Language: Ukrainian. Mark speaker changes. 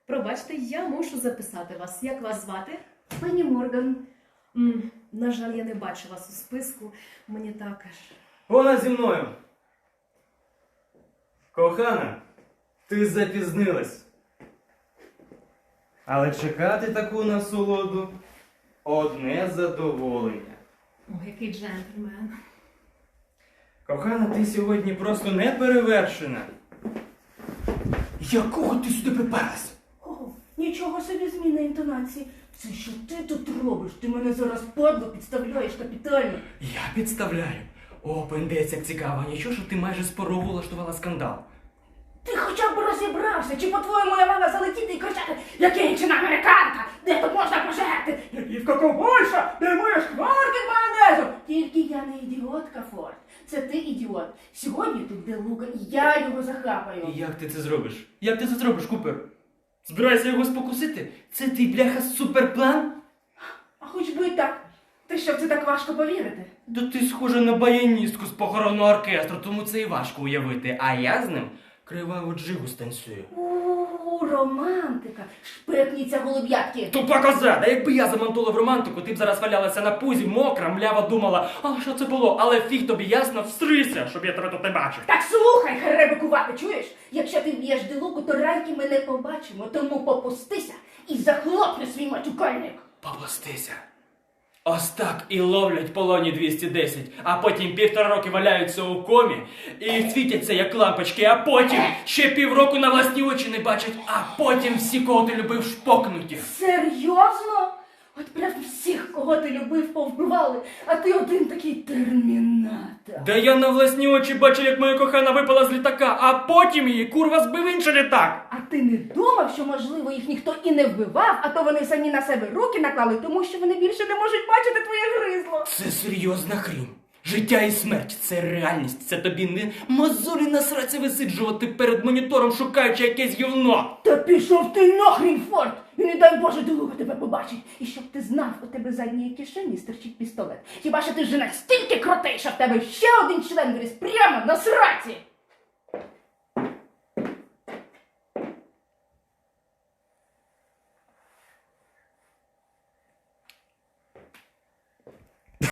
Speaker 1: Пробачте, я мушу записати вас. Як вас звати?
Speaker 2: Пані Морган.
Speaker 1: На жаль, я не бачу вас у списку. Мені також.
Speaker 3: Вона зі мною. Кохана, ти запізнилась. Але чекати таку насолоду одне задоволення.
Speaker 1: О, який джентльмен.
Speaker 3: Кохана, ти сьогодні просто неперевершена. Якого ти сюди приперлась?
Speaker 2: О, нічого собі зміна інтонації. Це що ти тут робиш? Ти мене зараз падло підставляєш капітально.
Speaker 3: Я підставляю. О, пендець, як цікаво. Нічого, що ти майже спорову влаштувала скандал.
Speaker 2: Ти хоча б розібрався, чи по-твоєму я мала залетіти і кричати: «Я кінчена американка! Де тут можна пожерти? Яківка ковбойша! Де мої шкварки майонезу?» Тільки я не ідіотка, Форд. Це ти ідіот. Сьогодні тут де Лука, і я його захапаю.
Speaker 3: І як ти це зробиш? Як ти це зробиш, Купер? Збираєшся його спокусити? Це твій, бляха, суперплан?
Speaker 2: А хоч би і так. Ти що, в це так важко повірити?
Speaker 3: Да ти схожа на баяністку з похоронного оркестру, тому це і важко уявити. А я з ним криваву джигу станцюю.
Speaker 2: Романтика. Шпекніться голуб'ятки.
Speaker 3: Тупа коза! Да якби я замонтував романтику, ти б зараз валялася на пузі, мокра, млява, думала, а що це було? Але фіг тобі ясно, встрися, щоб я тебе тут не бачив.
Speaker 2: Так слухай, херебикувати, чуєш? Якщо ти б'єш Делуку, то райки ми не побачимо, тому попустися і захлопни свій матюкальник.
Speaker 3: Попустися. Ось так і ловлять полоні 210, а потім 1,5 роки валяються у комі і світяться як лампочки, а потім ще півроку на власні очі не бачать, а потім всі, кого ти любив, шпокнуті.
Speaker 2: Серйозно? От прям всіх, кого ти любив, повбивали, а ти один такий термінатор.
Speaker 3: Да я на власні очі бачив, як моя кохана випала з літака, а потім її курва збив інший літак.
Speaker 2: А ти не думав, що, можливо, їх ніхто і не вбивав, а то вони самі на себе руки наклали, тому що вони більше не можуть бачити твоє гризло?
Speaker 3: Це серйозна хрінь. Життя і смерть – це реальність. Це тобі не мозолі на сраці висиджувати перед монітором, шукаючи якесь гівно.
Speaker 2: Та пішов ти нахрін, Форд! І не дай Боже, Делука тебе побачить. І щоб ти знав, у тебе з задньої кишені стирчить пістолет. Хіба що ти вже настільки крутий, що в тебе ще один член виріс прямо на сраці?